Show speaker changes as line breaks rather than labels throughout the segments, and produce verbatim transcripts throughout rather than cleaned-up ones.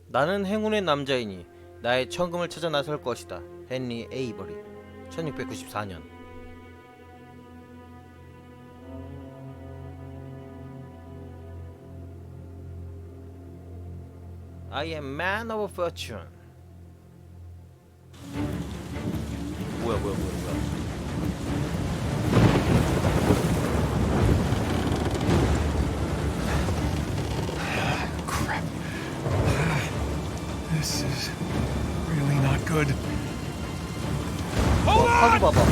나는 행운의 남자이니 나의 천금을 찾아 나설 것이다. 헨리 에이버리. 천육백구십사 년. I am man of fortune. 뭐야 뭐야 뭐야 뭐야.
Crap. This is really not good.
어, 카드 봐봐.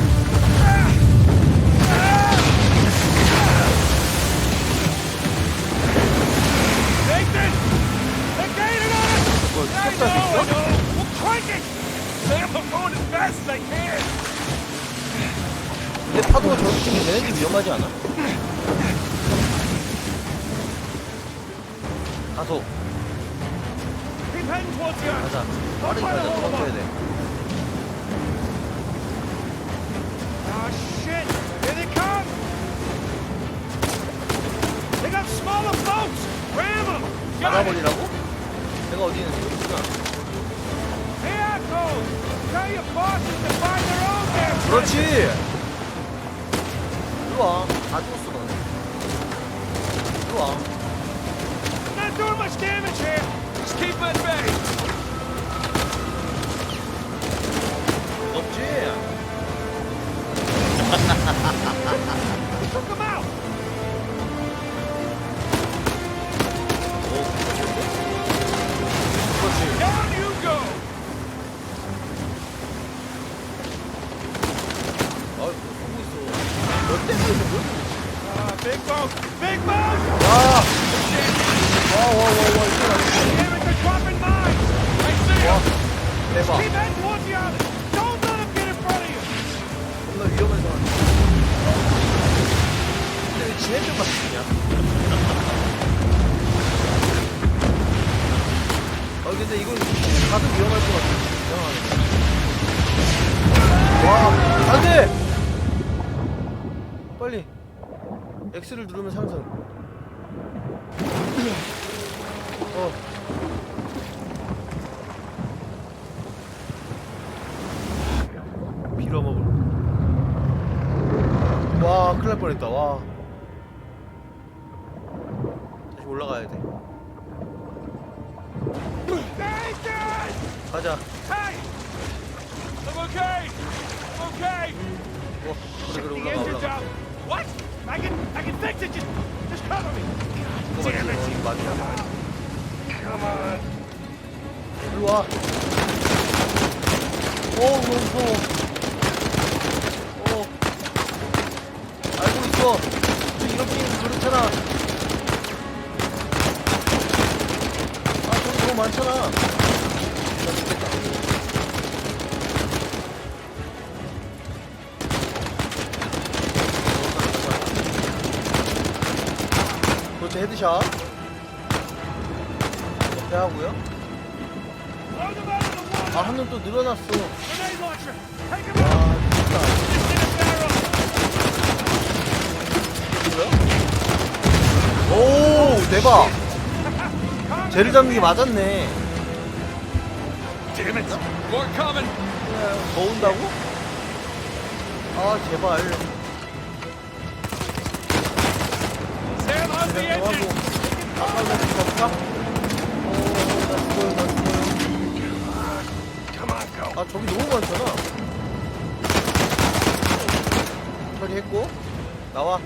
Nathan! They're gaining on us!
뭐
I
쳤다
know, I
있어?
know! We're cranking! Sam, I'm going as fast as I can!
근데 파도가 저렇게 치면 얘네들 위험하지 않아? 가속.
Keep heading towards the island.
가자. 빠르게 가자. 도망쳐야 돼.
Oh, shit! Here they come! They got smaller boats! Ram them! Got it!
막아버리라고? 내가 어디 있는지 모르구나.
Hey, assholes! Tell your bosses to find their own damn
그렇지!
bridges.
들어와. 다 죽었어, 너네. 들어와.
Not doing much damage here! Just keep at bay!
없지?
We took them out!
오, 그렇지.
Down you go!
아, 보고 있어. 너 때문에 뭐?
Uh, big boat! Big boat!
와! 와, 와, 와, 와, 이거
Damn it, they're dropping mines! I see
와,
them!
대박.
Keep heading towards the island! Don't let them get in front of you!
겁나 위험한 상황. 근데 왜 지네들만 죽냐? 아, 근데 이건 가도 위험할 것 같아. 이상하네. 와, 안 돼! 빨리. X를 누르면 상승. 어. 빌어먹을. 와, 큰일 날 뻔했다. 와. 다시 올라가야 돼.
Nathan!
가자.
Hey! I'm okay! I'm okay!
와, 그래, 그래,
The
올라가,
engine's
올라가.
out! What? I can, I can fix it! Just, just cover me!
이거
Damn it!
맞지? 어, 맞아.
Come on!
일로 와. 오, 너무 무서워. 어. 알고 있어. 저 이런 게임 그렇잖아. 아, 저기 너무 많잖아. 나 죽겠다. 그렇지, 헤드샷. 옆에 하고요.
Throw them out of the water!
아, 한 놈 또 늘어났어.
Grenade launcher! Take him out!
와, 진짜.
Just in a barrel!
뭐야? 오, 대박.
Calm
쟤를 잡는 게 맞았네.
Damn it! More coming!
더 온다고? 아, 제발.
Sam, how's the
그냥
engine?
정하고. 아까 나 지금 없까? 오, 나 죽어요, 나 죽어요.
Come on, go!
아, 저기 너무 많잖아. 처리했고. 나와.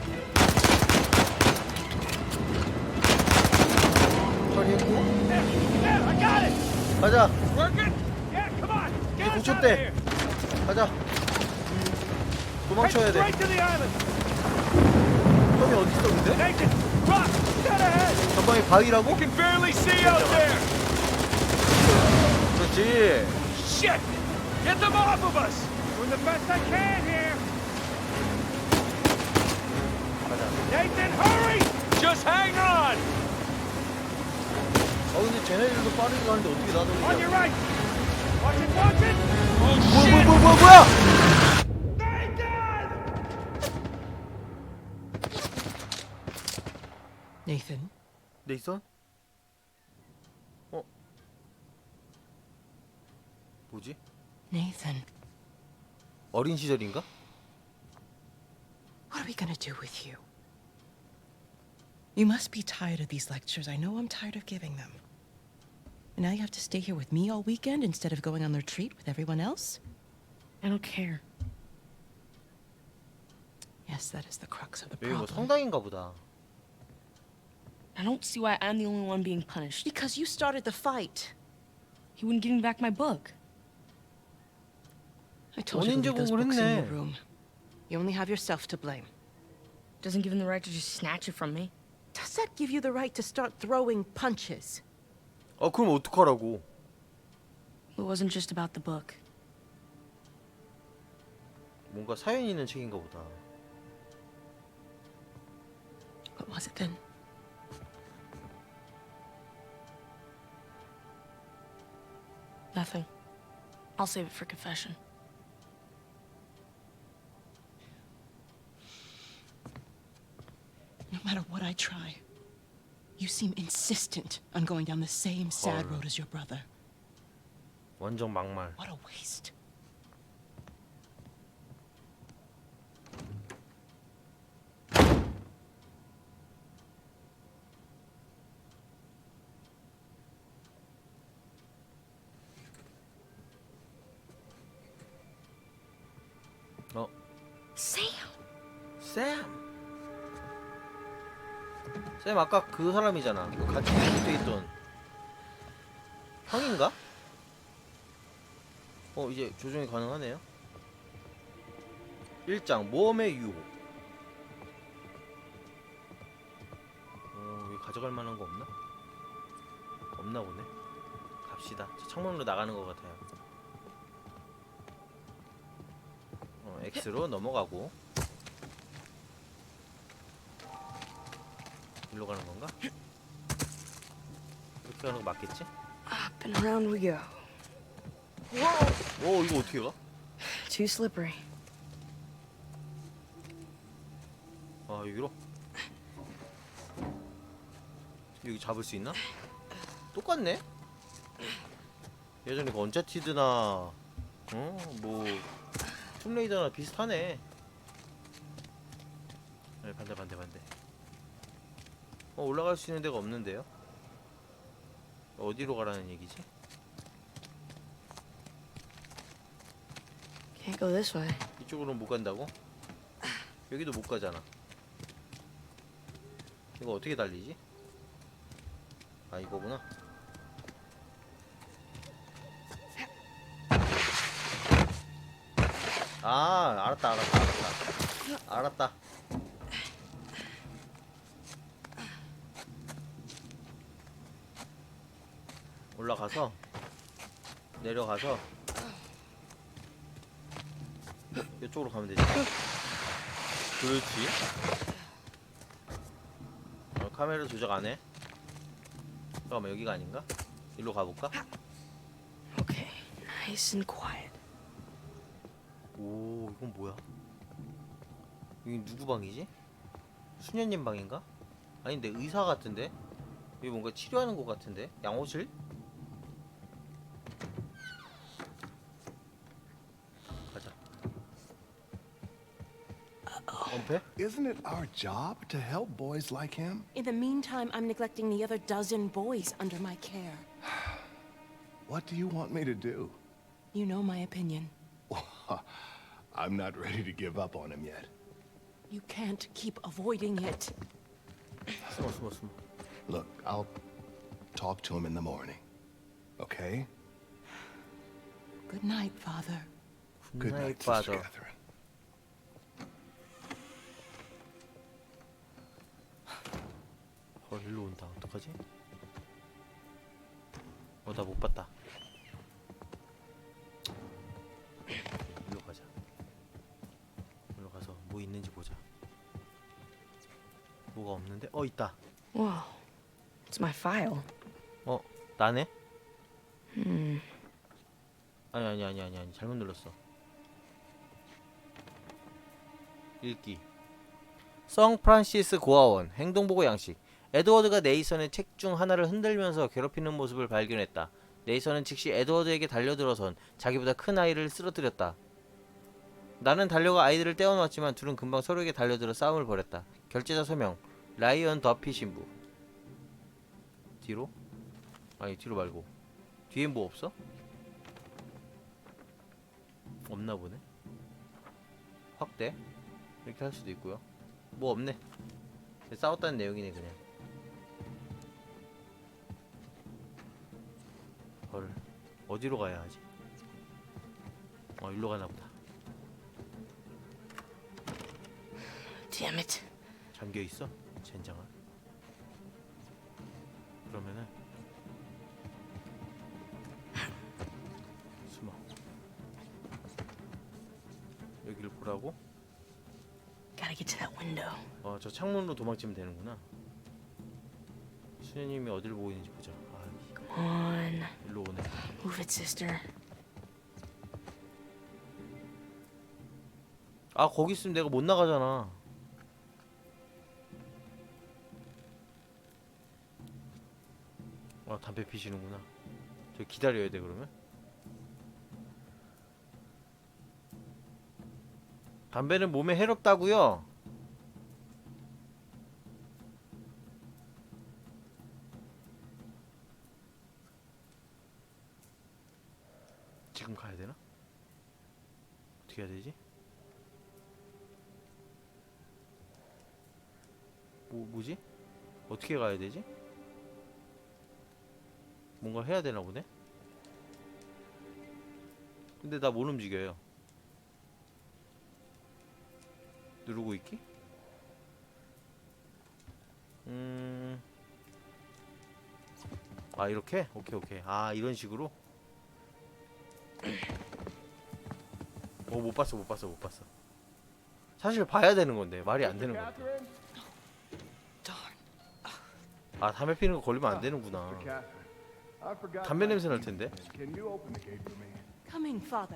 처리했고.
There, there, I got it!
가자.
Working? Yeah, come on! Get us out of
고쳤대.
here!
가자.
Head
도망쳐야 돼.
straight to the island!
형이 어디 있어, 근데?
Nathan, rock! Dead ahead!
전방에 바위라고?
Can barely see out there!
그렇지.
Shit! Get them off of us! Doing the best I can here!
가자.
Nathan, hurry! Just hang on!
아, 근데 쟤네들도 빠르게 가는데 어떻게 나도
On your right! Watch it, watch it! Oh,
뭐야,
shit!
뭐야, 뭐야, 뭐야!
Nathan!
Nathan,
네이선? 어? 뭐지?
Nathan,
어린 시절인가?
what are we gonna do with you? You must be tired of these lectures. I know I'm tired of giving them. And now you have to stay here with me all weekend instead of going on the retreat with everyone else?
I don't care.
Yes, that is the crux of the
여기 뭐
problem.
성당인가 보다.
I don't see why I'm the only one being punished.
Because you started the fight.
He wouldn't give me back my book.
I told you to leave those
원인
books in your
제공을 했네.
room. You only have yourself to blame.
Doesn't give him the right to just snatch it from me.
Does that give you the right to start throwing punches?
아 그럼 어떡하라고?
It wasn't just about the book.
뭔가 사연 있는 책인가 보다.
What was it then?
Nothing. I'll save it for confession.
No matter what I try, you seem insistent on going down the same sad
헐.
road as your brother.
완전 막말.
What a waste.
어?
Sam!
쌤! 쌤 아까 그 사람이잖아. 그 같이 붙어있던 형인가? 어 이제 조정이 가능하네요. 일 장 모험의 유혹. 어 여기 가져갈 만한 거 없나? 없나 보네. 갑시다. 저 창문으로 나가는 것 같아요. 어 X로 넘어가고. 일로 가는 건가? 이렇게 가는 거 맞겠지?
Up and around we go.
오 이거 어떻게 가?
Too slippery.
아 여기로? 여기 잡을 수 있나? 똑같네? 예전에 그 언차티드나 어? 뭐 툼레이더나 비슷하네. 네, 반대 반대 반대. 어 올라갈 수 있는 데가 없는데요? 어디로 가라는 얘기지?
Can't go this way.
이쪽으로는 못 간다고? 여기도 못 가잖아. 이거 어떻게 달리지? 아 이거구나. 아 알았다 알았다 알았다 알았다. 올라가서 내려가서 이쪽으로 가면 되지. 그렇지. 어, 카메라 조작 안 해? 잠깐만 여기가 아닌가? 일로 가볼까?
Okay, nice and quiet.
오 이건 뭐야? 여기 누구 방이지? 수녀님 방인가? 아닌데 의사 같은데? 여기 뭔가 치료하는 것 같은데? 양호실? 가자. 엄폐?
Isn't it our job to help boys like him?
In the meantime, I'm neglecting the other dozen boys under my care.
What do you want me to do?
You know my opinion.
I'm not ready to give up on him yet.
You can't keep avoiding it.
숨어 숨어 숨어.
Look, I'll talk to him in the morning. Okay?
Good night, Father.
Good
굿나잇
night, Sister
빠져.
Catherine.
헐 일로 온다. 어떡하지? 어 나 못 봤다. 일로 가자. 일로 가서 뭐 있는지 보자. 뭐가 없는데? 어 있다.
Whoa, it's my file.
어 나네?
Hmm.
아니 아니 아니 아니 아니 잘못 눌렀어. 읽기. 성 프란시스 고아원 행동보고 양식. 에드워드가 네이선의 책 중 하나를 흔들면서 괴롭히는 모습을 발견했다. 네이선은 즉시 에드워드에게 달려들어선 자기보다 큰 아이를 쓰러뜨렸다. 나는 달려가 아이들을 떼어놓았지만 둘은 금방 서로에게 달려들어 싸움을 벌였다. 결제자 서명 라이언 더피 신부. 뒤로? 아니 뒤로 말고 뒤엔 뭐 없어? 없나 보네. 확대 이렇게 할 수도 있고요. 뭐 없네. 싸웠다는 내용이네 그냥. 헐 어디로 가야 하지? 어 일로 가나 보다.
Damn it.
잠겨 있어? 젠장아. 그러면은 숨어. 여기를 보라고?
Gotta get to that window.
어, 저 창문으로 도망치면 되는구나. 수녀님이 어디를 보고 있는지 보자. 아,
Come on.
일로 오네.
Move it, sister.
아, 거기 있으면 내가 못 나가잖아. 아, 담배 피시는구나. 저 기다려야 돼 그러면? 담배는 몸에 해롭다고요? 지금 가야 되나? 어떻게 해야 되지? 뭐 뭐지? 어떻게 가야 되지? 뭔가 해야 되나 보네? 근데 나 못 움직여요. 누르고 있기? 음... 아 이렇게? 오케이 오케이. 아 이런 식으로? 어 못 봤어 못 봤어 못 봤어. 사실 봐야 되는 건데 말이 안 되는 건데.
Catherine?
아 담배 피는 거 걸리면 안 되는구나.
Catherine, I forgot
담배
my
냄새 날
keys.
텐데.
Can you open the gate for me?
Coming, father.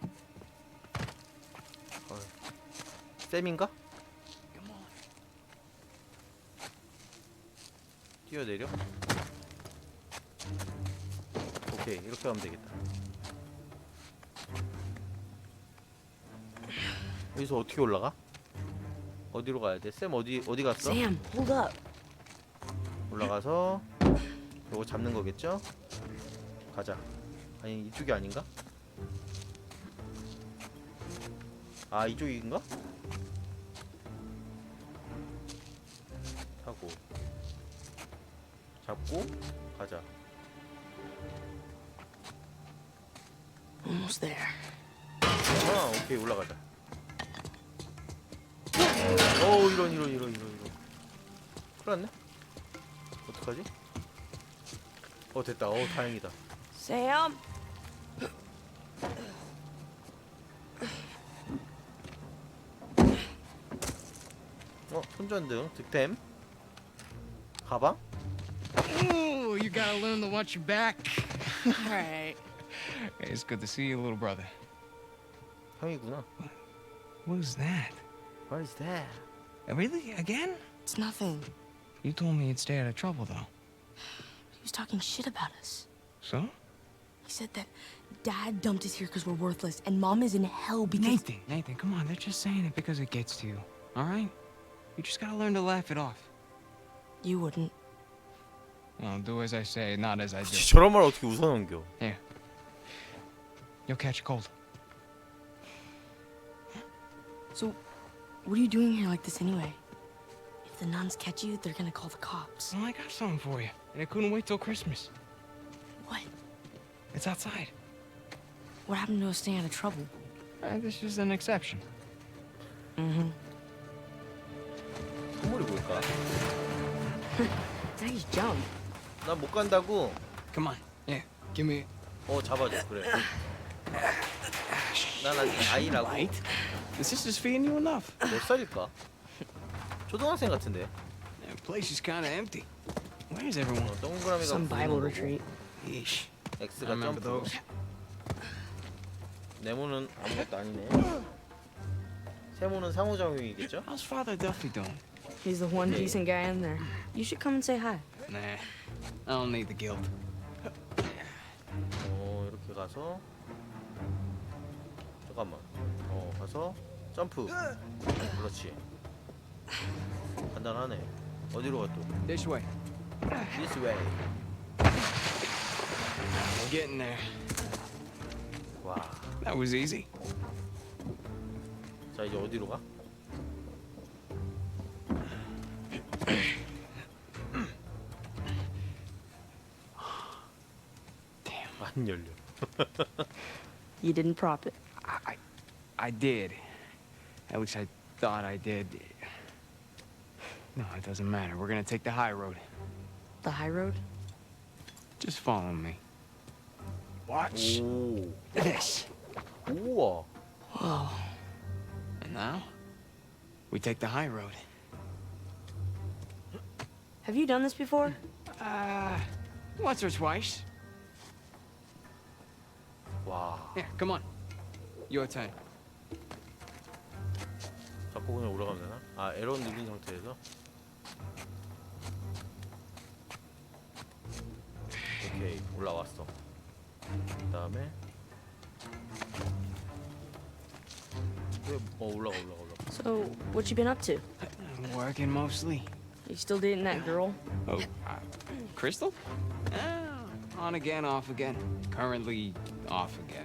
쌤인가? 뛰어내려? 오케이 이렇게 하면 되겠다. 여기서 어떻게 올라가? 어디로 가야 돼? 쌤 어디 어디 갔어?
Sam, hold up.
올라가서 요거 잡는 거겠죠? 가자. 아니 이쪽이 아닌가? 아 이쪽인가? 하고 잡고 가자.
Almost there.
아 오케이 올라가자. 어 이런 이런 이런 이런 이런. 큰일 났네. 어떡하지? 어 됐다. 어 다행이다.
Sam.
어 손전등 득템. 가방?
Ooh, you gotta learn to watch your back.
All right.
Hey, it's good to see you, little brother.
형이구나.
Who's that?
What is that?
Uh, Really? Again?
It's nothing.
You told me you'd stay out of trouble, though.
He was talking shit about us.
So?
He said that Dad dumped us here because we're worthless, and Mom is in hell because.
Nathan, Nathan, come on. They're just saying it because it gets to you. All right? You just gotta learn to laugh it off.
You wouldn't.
Well, do as I say, not as I do.
저런 말 어떻게 웃어넘겨?
Here. You'll catch a cold.
So, what are you doing here like this anyway? If the nuns catch you, they're gonna call the cops.
Well, I got something for you. And I couldn't wait till Christmas.
What?
It's outside.
What happened to us staying out of trouble?
Uh, this is an exception.
Mm-hmm.
선물이 뭘까?
Daddy's jump.
난 못 간다고.
Come on. Yeah, give me.
어 잡아줘 그래. 난 아직 아이라고.
Right? The sister's feeding you enough.
몇 살일까? 초등학생 같은데.
The place is kind of empty. Where's everyone?
어, 동그라미가
Some
보이는
Bible
거고,
retreat.
Yeesh. I
X가
remember
점프.
those.
네모는 아무것도 아니네. 세모는 상호작용이겠죠?
How's Father Duffy doing?
He's the one
Okay.
decent guy in there. You should come and say hi.
Nah, I don't need the guilt.
여기 가서 잠깐만. 어 가서 점프. 그렇지. 간단하네. 어디로 가 또?
This way.
This way.
We're getting there.
와.
That was easy.
자 이제 어디로 가?
Damn.
안 열려.
You didn't prop it.
I, I, I did. At least I thought I did. No, it doesn't matter. We're gonna take the high road.
The high road?
Just follow me. Watch
오.
this.
우와.
Whoa.
And now, we take the high road.
Have you done this before?
Uh, once or twice.
와.
Here, come on. Your turn.
잡고 그냥 올라가면 되나? 아 에러 누른 상태에서. 오케이 올라왔어. 그다음에 왜? 어 올라가 올라가 올라가.
So, what you been up to?
Working mostly.
You still dating that girl?
Oh, uh, Crystal? Uh, on again, off again. Currently off again.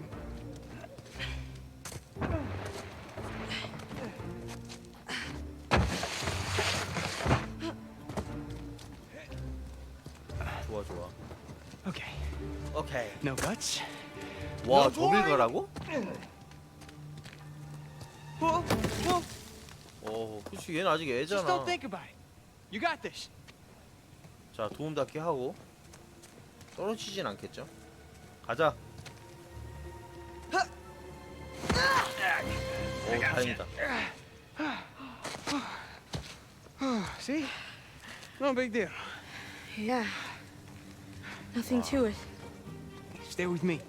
좋아 좋아.
Okay.
오케이.
No guts?
와 저길 가라고?
Whoa, whoa.
어 그치 얘는 아직
Just
애잖아.
don't think about it. You got this.
자 도움 닫기 하고 떨어지진 않겠죠? 가자. 오 다행이다.
See? No big deal.
Yeah. Nothing to it.
Stay with me.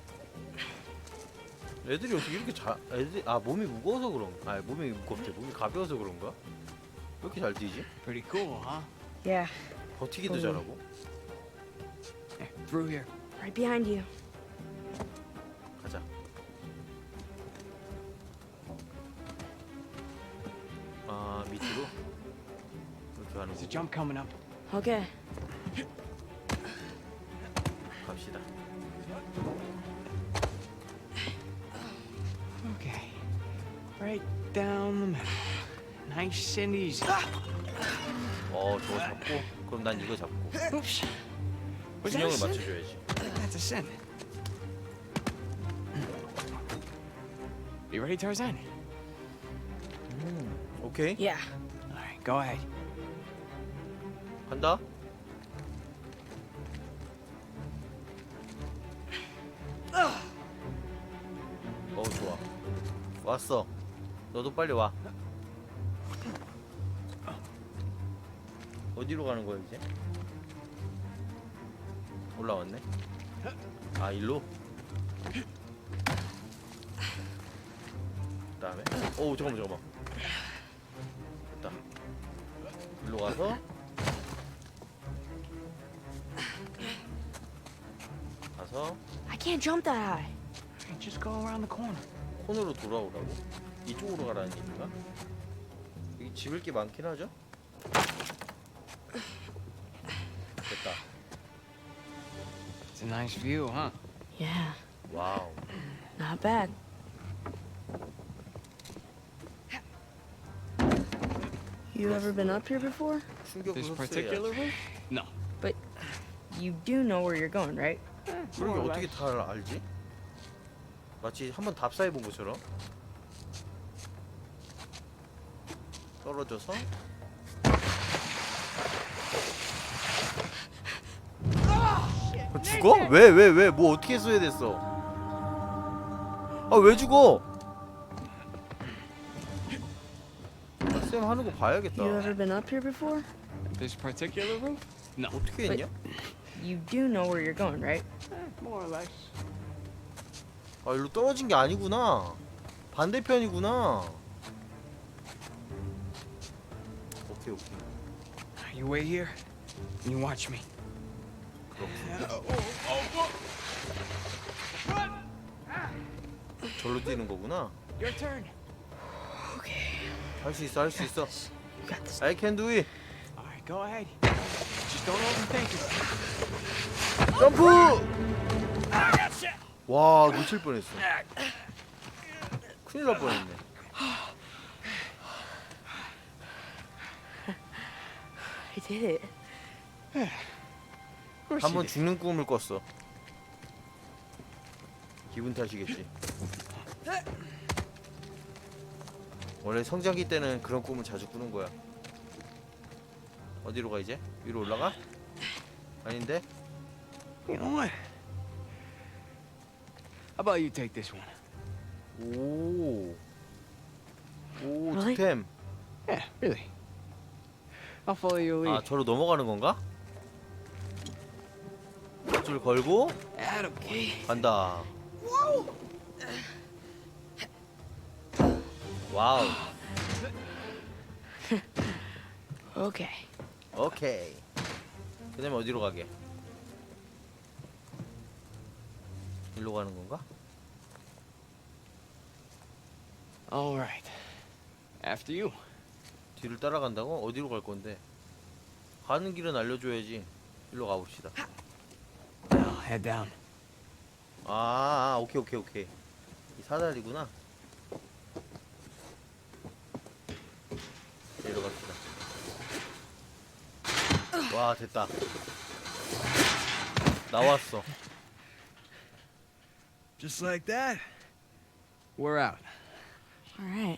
애들이 어떻게 이렇게 잘 애들 아 몸이 무거워서 그런 아 몸이 무겁대 몸이 가벼워서 그런가? 왜 이렇게 잘 뛰지?
Pretty cool, huh?
Yeah.
버티기도
음.
잘하고.
Yeah, through here.
Right behind you.
가자. 아 밑으로 이렇게 가는
There's a
거
jump coming up.
Okay.
갑시다.
Okay. Right down the middle. Nice and easy.
어 저거 잡고 그럼 난 이거 잡고
Oops. Was that a
균형을
sin?
맞춰줘야지.
That's a sin. You ready, Tarzan?
오케이
Yeah.
All right, go ahead.
간다. 어 좋아. 왔어. 너도 빨리 와. 어디로 가는 거야 이제? 올라왔네. 아 일로? 그다음에 오 잠깐만 잠깐만. 됐다. 일로 가서 가서
I can't jump that high.
Hey, just go around the corner.
콘으로 돌아오라고? 이쪽으로 가라는 얘기인가? 여기 집을 게 많긴 하죠? 됐다.
It's a nice view, huh?
Yeah.
와우.
Not bad. You ever been up here before?
충격을
This
흡수해야지.
particular roof? No.
But you do know where you're going, right?
그러게 어떻게 다 알지? 마치 한번 답사해 본 것처럼. 떨어져서 어, 죽어? 왜 왜 왜 뭐 어떻게 써야 됐어? 아 왜 죽어? 아, 쌤 하는 거 봐야겠다.
You ever been up here before?
This particular roof? No.
어떻게 했냐?
You do know where you're going, right?
More or less.
아 일로 떨어진 게 아니구나. 반대편이구나. 오케이 오케이.
You wait here, and you watch me.
그렇군. 절로 뛰는 거구나.
Your turn.
할 수 있어, 할 수 있어.
You got this.
I can do it.
All right, go ahead. Just don't overthink it.
점프! 와, 놓칠 뻔했어. 큰일 날 뻔했네.
I did it.
Of course
한 번
you did.
죽는 꿈을 꿨어. 기분 탓이겠지. 원래 성장기 때는 그런 꿈을 자주 꾸는 거야. 어디로 가 이제? 위로 올라가? 아닌데?
You know what? How about you take this one?
오. 오,
Really?
득템.
Yeah, really. I'll follow your
아,
lead.
저로 넘어가는 건가? 줄 걸고
Attaboy.
간다. 와우.
Okay.
오케이. 그다음에 어디로 가게? 일로 가는 건가?
All right. After you.
뒤를 따라간다고? 어디로 갈 건데? 가는 길은 알려줘야지. 일로 가봅시다.
Now head down.
아, 아 오케이 오케이 오케이. 이 사다리구나. 내려갑시다. 와, 됐다. 나왔어.
Just like that.
We're out.
All right.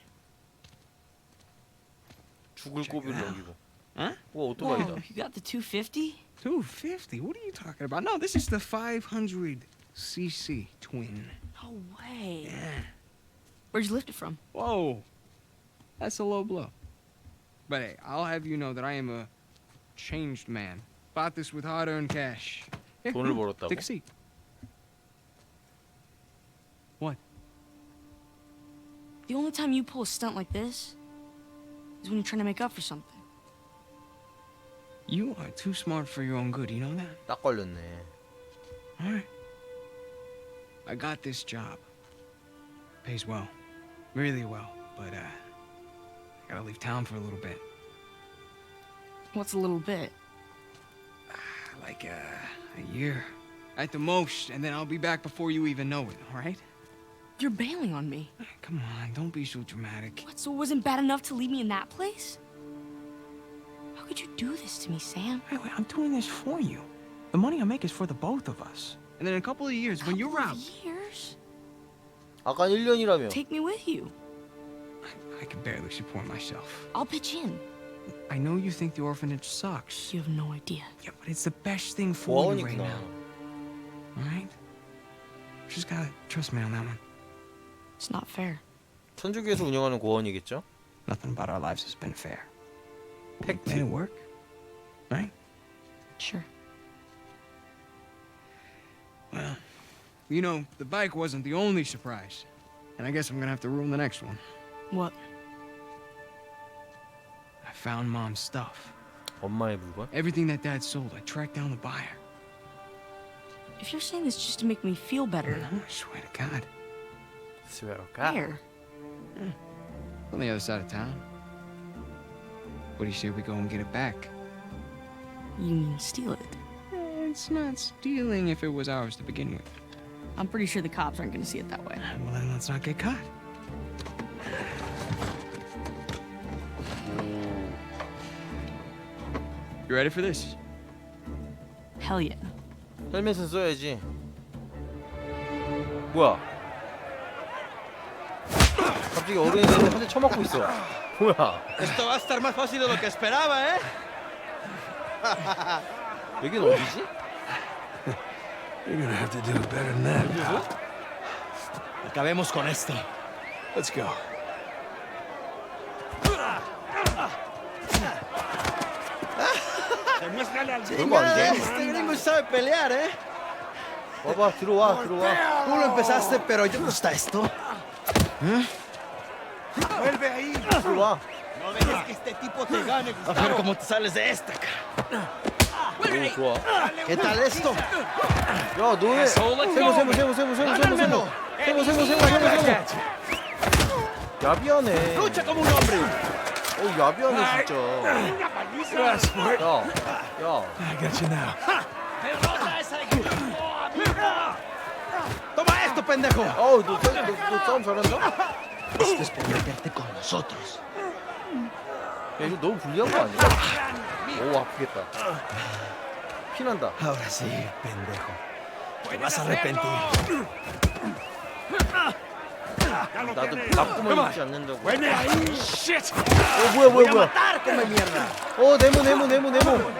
죽을 고비를 넘기고.
Huh?
와,
Whoa,
오토바이다.
you got the two fifty?
two fifty? What are you talking about? No, this is the five hundred c c twin.
No way.
Yeah.
Where'd you lift it from?
Whoa. That's a low blow. But hey, I'll have you know that I am a changed man. Bought this with hard-earned cash. Yeah,
돈을
come on,
벌었다고?
Take a seat. What?
The only time you pull a stunt like this is when you're trying to make up for something.
You are too smart for your own good, you know that?
딱 걸렸네.
Alright. I got this job. Pays well. Really well. But, uh, I gotta leave town for a little bit.
What's a little bit?
Like, uh, a year. At the most, and then I'll be back before you even know it, alright?
You're bailing on me.
Come on, don't be so dramatic.
What, so it wasn't bad enough to leave me in that place? How could you do this to me, Sam?
Wait, wait, I'm doing this for you. The money I make is for the both of us. And then in a couple of years, when you're
Couple
out,
of years?
아까 일 년이라며.
Take me with you.
I, I can barely support myself.
I'll pitch in.
I know you think the orphanage sucks.
You have no idea.
Yeah, but it's the best thing for you right
고아원이구나.
now. Alright? Just gotta trust me on that one.
It's not fair.
천주교에서 운영하는 고아원이겠죠?
Nothing about our lives has been fair. We
팩트.
made it work. Right?
Sure.
Well, you know, the bike wasn't the only surprise. And I guess I'm gonna have to ruin the next one.
What?
I found Mom's stuff.
엄마의 물건?
Everything that Dad sold, I tracked down the buyer.
If you're saying this just to make me feel better,
No, I swear to God.
스웨어가.
where?
On the other side of town. What do you say we go and get it back?
You mean steal it?
Eh, It's not stealing if it was ours to begin with.
I'm pretty sure the cops aren't gonna see it that way.
Well, then let's not get caught. You ready for this?
Hell yeah.
헬멧은 써야지. 뭐야? 갑자기 어른이들이 한 대 쳐맞고 있어. 뭐야?
Esto va a estar más fácil de lo que esperaba, ¿eh?
여긴 어디지?
You're gonna have to do it better than that.
Acabemos con esto.
Let's go.
Demuéstrale al
별거 아닌데?
Este gringo sabe pelear, ¿eh?
와봐, 들어와, 들어와.
Tú lo empezaste, pero yo gusta esto. Vuelve ahí.
들어와.
No dejes que este tipo te gane, Gustavo. A ver cómo te sales de esta, cara.
오, 좋아.
¿Qué tal esto?
야, 너네. 세모, 세모, 세모, 세모, 세모, 세모, 세모. 세모 세모 세모 세모 세모. 야비하네.
Lucha como un hombre.
어 야비하네 진짜. 야, 야.
I got you now.
Derrota esa ignoramuda. Toma esto, pendejo.
어우 너, 너, 너, 너 싸움 잘한다?
Esto es por meterte con nosotros.
야 이거 너무 불리한 거 아니야? 오 아프겠다. 피난다.
Ahora sí, pendejo. Te vas a arrepentir.
나도 나쁘면 입지 않는다고.
Shit!
어 뭐야 뭐야 뭐야.
Matar, come mierda.
어 네모 네모 네모 네모.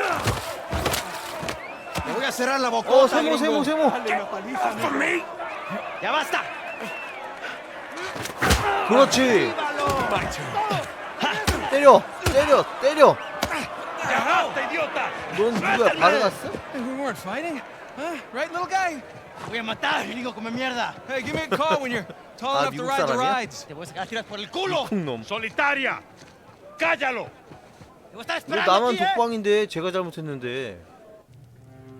Te voy a cerrar la boca.
어 세모 세모 세모.
Ya basta.
그렇지. 때려 때려 때려. 넌 누구야? 바르가스?
Hey, we weren't fighting. Huh? Right, little guy?
Te voy a matar, gringo come mierda.
Hey, give me a call when you're tall
Ah,
enough to
미국
ride the
사람이야?
rides.
Te voy a sacar a tirar por el culo.
콩놈.
Solitaria, cállalo.
Te voy a estar
너
esperando
나만
aquí, eh.
독방인데 제가 잘못했는데.